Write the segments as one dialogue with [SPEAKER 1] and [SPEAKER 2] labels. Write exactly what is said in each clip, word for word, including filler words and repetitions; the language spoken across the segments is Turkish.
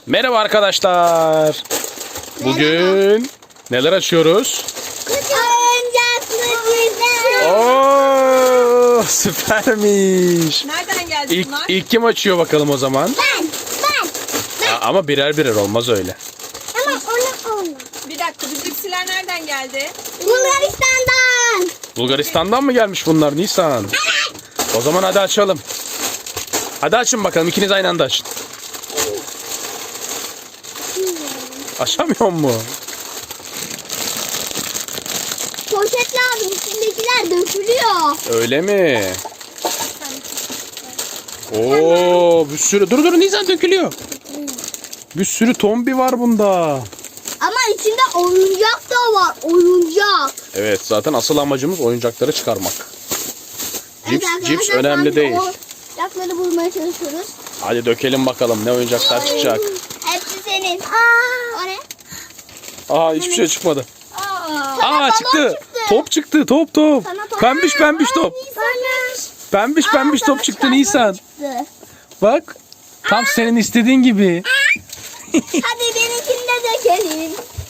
[SPEAKER 1] Merhaba arkadaşlar. Bugün neler açıyoruz?
[SPEAKER 2] Oyuncaklı güzel.
[SPEAKER 1] Oo, süpermiş.
[SPEAKER 3] Nereden geldi
[SPEAKER 1] İlk,
[SPEAKER 3] bunlar?
[SPEAKER 1] ilk kim açıyor bakalım o zaman?
[SPEAKER 2] Ben, ben.
[SPEAKER 1] Aa, ama birer birer olmaz öyle.
[SPEAKER 2] Ama onu onu.
[SPEAKER 3] Bir dakika, bu cipsiler nereden geldi?
[SPEAKER 2] Bulgaristan'dan.
[SPEAKER 1] Bulgaristan'dan mı gelmiş bunlar Nisan? O zaman hadi açalım. Hadi açın bakalım, ikiniz aynı anda açın. Açamıyor mu?
[SPEAKER 2] Poşet lazım. İçindekiler dökülüyor.
[SPEAKER 1] Öyle mi? Oo, bir sürü. Dur dur Nisan, dökülüyor. Bir sürü tombi var bunda.
[SPEAKER 2] Ama içinde oyuncak da var. Oyuncak.
[SPEAKER 1] Evet, zaten asıl amacımız oyuncakları çıkarmak. Cips,
[SPEAKER 2] Evet
[SPEAKER 1] cips
[SPEAKER 2] arkadaşlar,
[SPEAKER 1] önemli
[SPEAKER 2] ben de
[SPEAKER 1] değil.
[SPEAKER 2] Oyuncakları bulmaya çalışıyoruz.
[SPEAKER 1] Hadi dökelim bakalım ne oyuncaklar çıkacak.
[SPEAKER 2] Hepsi senin. Aa. O ne?
[SPEAKER 1] Aa, hiçbir şey çıkmadı.
[SPEAKER 3] Aa,
[SPEAKER 2] Sana
[SPEAKER 1] Aa,
[SPEAKER 2] balon
[SPEAKER 1] çıktı.
[SPEAKER 2] çıktı.
[SPEAKER 1] Top çıktı. Top top.
[SPEAKER 2] Sana top-
[SPEAKER 1] Pembiş pembiş top.
[SPEAKER 2] Bana.
[SPEAKER 1] Pembiş pembiş
[SPEAKER 2] Aa,
[SPEAKER 1] top
[SPEAKER 2] sana
[SPEAKER 1] çıktı
[SPEAKER 2] çıkartma
[SPEAKER 1] Nisan.
[SPEAKER 2] çıktı.
[SPEAKER 1] Bak. Tam senin istediğin gibi.
[SPEAKER 2] Hadi benimkini de dökelim.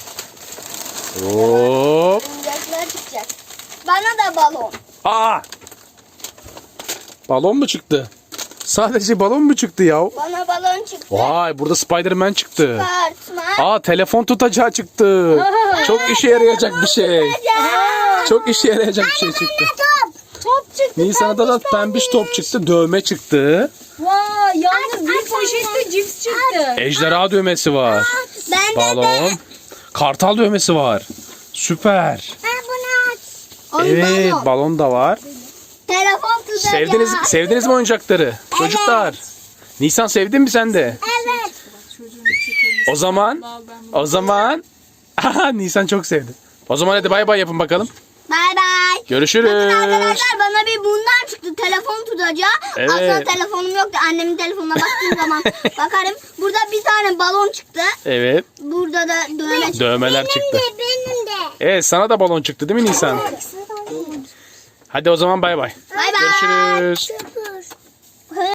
[SPEAKER 1] Hop.
[SPEAKER 2] Oyuncaklar çıkacak. Bana da balon.
[SPEAKER 1] Aa. Balon mu çıktı? Sadece balon mu çıktı ya?
[SPEAKER 2] Bana balon çıktı.
[SPEAKER 1] Vay, burada Spider-Man çıktı.
[SPEAKER 2] Tartma.
[SPEAKER 1] Aa, telefon tutacağı çıktı. Çok işe yarayacak bir şey.
[SPEAKER 2] Ya.
[SPEAKER 1] Çok işe yarayacak bir şey çıktı.
[SPEAKER 2] Top. Top çıktı.
[SPEAKER 1] Nisan'da da pembiş top çıktı. Dövme çıktı.
[SPEAKER 3] vay, yalnız
[SPEAKER 2] Aç,
[SPEAKER 3] bir
[SPEAKER 2] aç,
[SPEAKER 3] poşette
[SPEAKER 2] aç.
[SPEAKER 3] cips çıktı.
[SPEAKER 1] Ejderha dövmesi var.
[SPEAKER 2] Ben de
[SPEAKER 1] Balon.
[SPEAKER 2] de.
[SPEAKER 1] Kartal dövmesi var. Süper.
[SPEAKER 2] Ben bunu aç. Oy,
[SPEAKER 1] Evet,
[SPEAKER 2] balon.
[SPEAKER 1] balon da var.
[SPEAKER 2] Telefon tutacağı.
[SPEAKER 1] Sevdiniz sevdiniz mi oyuncakları? Çocuklar. Nisan, sevdin mi sen de?
[SPEAKER 2] Evet.
[SPEAKER 1] O zaman o zaman aha, Nisan çok sevdi. O zaman hadi bay bay yapın bakalım.
[SPEAKER 2] Bay bay.
[SPEAKER 1] Görüşürüz.
[SPEAKER 2] Arkadaşlar bana bir bundan çıktı. Telefon tutacağı.
[SPEAKER 1] Evet.
[SPEAKER 2] Aslında telefonum yoktu. Annemin telefonuna baktığım zaman bakarım. Burada bir tane balon çıktı.
[SPEAKER 1] Evet,
[SPEAKER 2] Burada da dövme çıktı.
[SPEAKER 1] dövmeler çıktı.
[SPEAKER 2] Benim de.
[SPEAKER 1] Evet, sana da balon çıktı değil mi Nisan? Hadi o zaman bay bay.
[SPEAKER 2] Bay bay.
[SPEAKER 1] Görüşürüz.